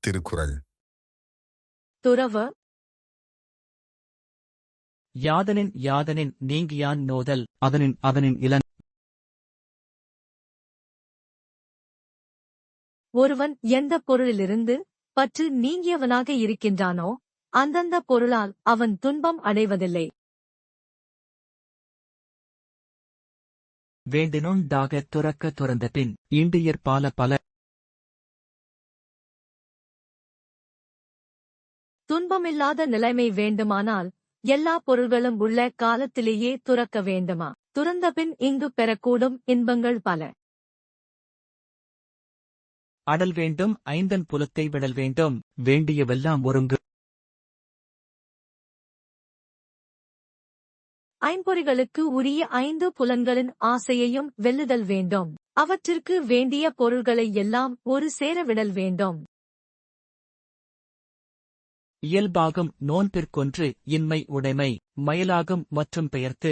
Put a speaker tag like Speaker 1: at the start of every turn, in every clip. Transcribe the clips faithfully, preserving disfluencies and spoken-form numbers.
Speaker 1: திருக்குறள்.
Speaker 2: துறவு.
Speaker 3: யாதனின் யாதனின் நீங்கியான் நோதல் அதனின் அதனின் இலன்.
Speaker 2: ஒருவன் எந்த பொருளிலிருந்து பற்று நீங்கியவனாக இருக்கின்றானோ அந்தந்த பொருளால் அவன் துன்பம் அடைவதில்லை.
Speaker 3: வேண்டினுண்டாகத் துறக்க துறந்தபின் ஈண்டியற் பால பல.
Speaker 2: துன்பமில்லாத நிலைமை வேண்டுமானால் எல்லா பொருள்களும் உள்ள காலத்திலேயே துறக்க வேண்டுமா? துறந்தபின் இங்கு பெறக்கூடும் இன்பங்கள் பல.
Speaker 3: அடல் வேண்டும் ஐந்தன் புலத்தை விடல் வேண்டும் வேண்டியவெல்லாம் ஒருங்கு.
Speaker 2: ஐம்பொறிகளுக்கு உரிய ஐந்து புலன்களின் ஆசையையும் வெல்லுதல் வேண்டும். அவற்றிற்கு வேண்டிய பொருள்களை எல்லாம் ஒரு சேர விடல் வேண்டும்.
Speaker 3: இயல்பாகும் நோன்பிற்கொன்று இன்மை உடைமை மயலாகும் மற்றும் பெயர்த்து.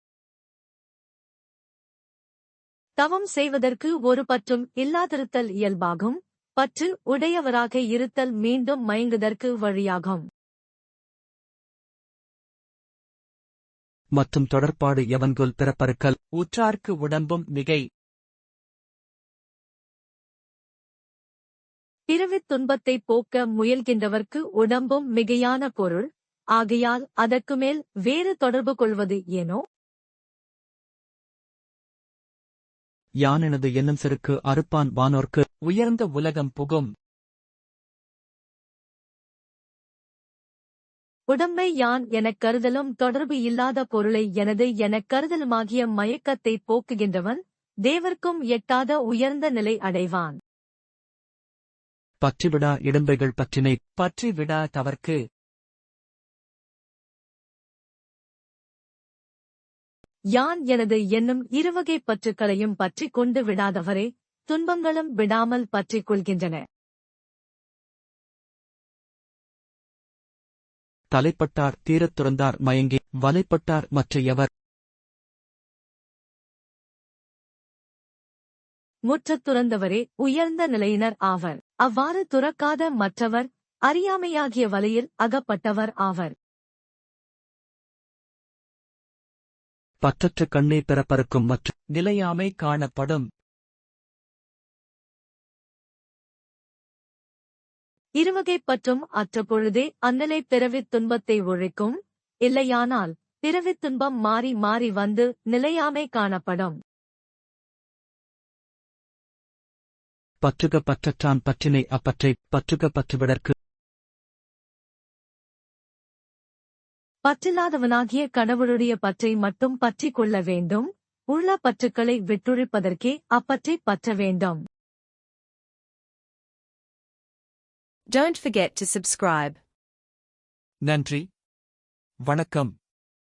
Speaker 2: தவம் செய்வதற்கு ஒரு பற்றும் இல்லாதிருத்தல் இயல்பாகும். பற்று உடையவராக இருத்தல் மீண்டும் மயங்குதற்கு வழியாகும்.
Speaker 3: மற்றும் தொடர்பாடு எவன்கொல் பிறப்பறுக்கல் உற்றார்க்கு உடம்பும் மிகை.
Speaker 2: பிறவித் துன்பத்தைப் போக்க முயல்கின்றவர்க்கு உடம்பும் மிகையான பொருள். ஆகையால் அதற்கு மேல் வேறு தொடர்பு கொள்வது ஏனோ?
Speaker 3: யானெனது என்னும் செருக்கு அறுப்பான் வானோர்க்கு உயர்ந்த உலகம் புகும்.
Speaker 2: உடம்பை யான் எனக் கருதலும் தொடர்பு இல்லாத பொருளை எனது எனக் கருதலுமாகிய மயக்கத்தைப் போக்குகின்றவன் தேவர்க்கும் எட்டாத உயர்ந்த நிலை அடைவான்.
Speaker 3: பற்றிவிடா இடும்பைகள் பற்றினை பற்றிவிடா தவர்க்கு.
Speaker 2: யான் எனது என்னும் இருவகைப் பற்றுக்களையும் பற்றிக் கொண்டு விடாதவரே துன்பங்களும் விடாமல் பற்றிக் கொள்கின்றன.
Speaker 3: தலைப்பட்டார் தீரத் துறந்தார் மயங்கி வலைப்பட்டார் மற்ற எவர்.
Speaker 2: முற்றத் துறந்தவரே உயர்ந்த நிலையினர் ஆவர். அவ்வாறு துறக்காத மற்றவர் அறியாமையாகிய வலையில் அகப்பட்டவர் ஆவர்.
Speaker 3: பற்றற்ற கண்ணே பிறப்பறுக்கும் மற்ற நிலையாமை காணப்படும்.
Speaker 2: இருவகைப் பற்றும் அற்ற பொழுதே அந்நிலை பிறவித் துன்பத்தை ஒழிக்கும். இல்லையானால் பிறவித் துன்பம் மாறி மாறி வந்து நிலையாமை காணப்படும்.
Speaker 3: பற்றுக பற்றற்றான் பற்றினை அப்பற்றை பற்றுக பற்றுவிடற்கு.
Speaker 2: பற்றில்லாதவனாகிய கடவுளுடைய பற்றை மட்டும் பற்றிக் கொள்ள வேண்டும். உள்ள பற்றுக்களை விட்டொழிப்பதற்கே அப்பற்றைப் பற்ற வேண்டும்.
Speaker 4: Don't forget to subscribe.
Speaker 3: நன்றி, வணக்கம்.